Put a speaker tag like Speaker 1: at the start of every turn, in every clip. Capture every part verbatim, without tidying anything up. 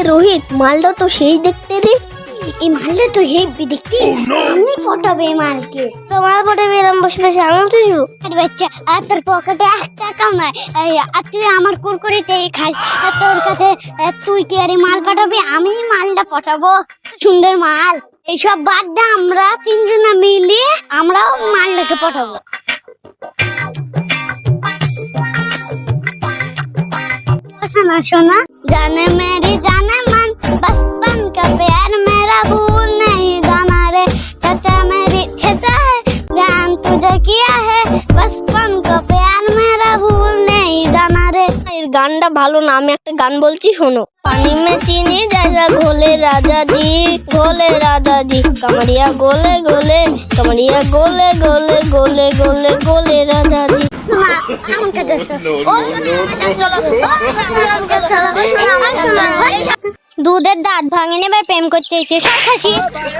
Speaker 1: রোহিত, মালটা তো সেই দেখতে রে। এই মালটা তো হেভি দেখতে। আমি পটাবে এই মালকে। তোমার পটাবে এরম বসে বসে আঙুল তুইব। আরে বাচ্চা, আর তোর পকেটে এক টাকাও নাই, আর তুই আমার কুরকুরে চেয়ে খাস। আর তোর কাছে তুই কি আরে মাল পাঠাবি? আমি মালটা পটাবো। সুন্দর মাল। এইসব বাদ দে, আমরা তিনজনে মিলিয়ে আমরাও মালটাকে পটাবো। सोना सोना जाने मेरी जाने मन बचपन का प्यार मेरा भूल नहीं जाना रे चाचा मेरी ठेता है ध्यान तुझे किया है बचपन का प्यार मेरा भूल नहीं जाना रे। এর গানটা ভালো না, আমি একটা গান বলছি শোনো। पानी में चीनी जैसा घोले राजा जी घोले राजा जी कमरिया गोले गोले कमरिया गोले गोले गोले गोले गोले राजा जी। দুধের দাঁত ভাঙে নেবে প্রেম করতে ইচ্ছে সব খাসি।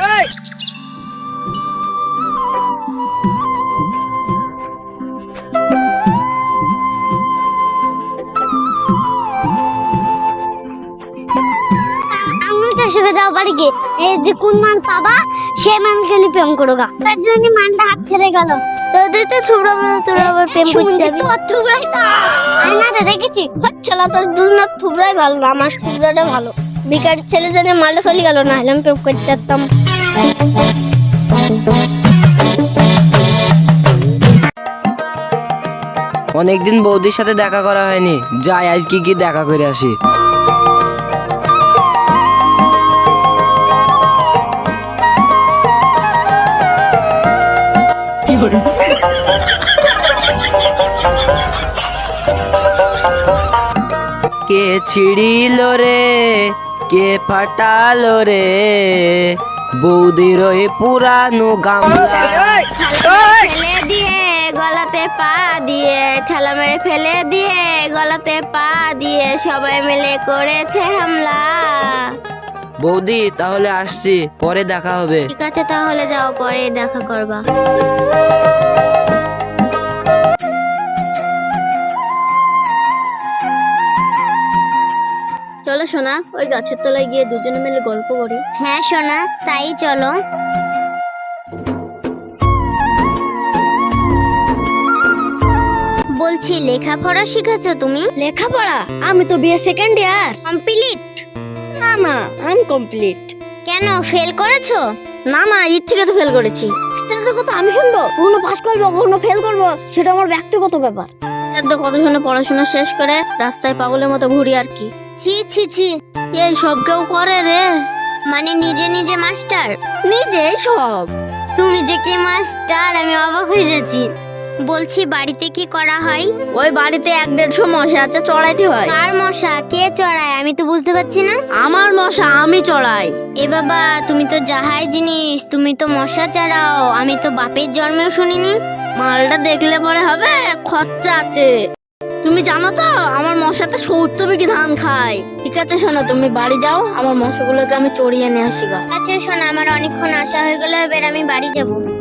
Speaker 1: শিখে যাও বাড়ি গিয়ে এই যে কোন মাল পাবা সে মাল খেলি প্রেম করো গা। তার জন্য মালটা হাত ছেড়ে গেল। তোদের তো থুবড়া মানে তোরা আবার প্রেম করছিস। তো থুবড়াই তো আয়নাতে দেখেছি হচ্ছলা তোর দুজনের থুবড়াই ভালো না, আমার থুবড়াটা ভালো। বিকার ছেলে জানে মালটা চলে গেল, না হলে আমি প্রেম করতে পারতাম।
Speaker 2: অনেকদিন বৌদির সাথে দেখা করা হয়নি, যাই আজকে কি দেখা করে আসি। কে ছিড়িল রে কে ফাটালো রে বৌদির ওই পুরানো গামলা
Speaker 1: ফেলে দিয়ে গলাতে পা দিয়ে ঠেলা মেরে ফেলে দিয়ে গলাতে পা দিয়ে সবাই মিলে করেছে হামলা।
Speaker 2: বৌদি তাহলে আসছি, পরে দেখা হবে।
Speaker 1: ঠিক আছে তাহলে যাও, পরে দেখা করবা। চলো সোনা, ওই গাছের তলায় গিয়ে দুজনে মিলে গল্প করি। হ্যাঁ সোনা, তাই চলো। বলছি লেখাপড়া শিখেছো তুমি?
Speaker 3: লেখাপড়া? আমি তো বিএ সেকেন্ড ইয়ার
Speaker 1: কমপ্লিট।
Speaker 3: না না আনকমপ্লিট।
Speaker 1: কেন, ফেল করেছো?
Speaker 3: না না ইচ্ছে তো ফেল করেছি। সেটা কথা আমি শুনবো? কখনো পাস করবো কখনো ফেল করবো, সেটা আমার ব্যক্তিগত ব্যাপার।
Speaker 1: তো কত শুনে পড়াশোনা শেষ করে রাস্তায় পাগলের মতো ঘুরি আর কি। ছি ছি ছি,
Speaker 3: এই সব কেউ করে রে?
Speaker 1: মানে নিজে নিজে মাস্টার?
Speaker 3: নিজেই সব।
Speaker 1: তুমি যে কি মাস্টার, আমি অবাক হয়ে যাচ্ছি। বলছি বাড়িতে কি করা হয়?
Speaker 3: ওই বাড়িতে এক দেড়শো মশা আছে, চড়াইতে হয়।
Speaker 1: কার মশা? কে চড়ায়? আমি তো বুঝতে পারছি না।
Speaker 3: আমার মশা আমি চড়াই।
Speaker 1: এ বাবা, তুমি তো যাহাই জিনিস, তুমি তো মশা চড়াও, আমি তো বাপের জন্মেও শুনিনি।
Speaker 3: মালটা দেখলে পরে হবে, খরচা আছে। তুমি জানো তো আমার মশাতে সত্তর বিঘি ধান খায়। ঠিক আছে শোনো, তুমি বাড়ি যাও, আমার মশাগুলোকে আমি চড়িয়ে নিয়ে আসি গা।
Speaker 1: আচ্ছা শোনো, আমার অনেকক্ষণ আশা হয়ে গেল, এবার আমি বাড়ি যাবো।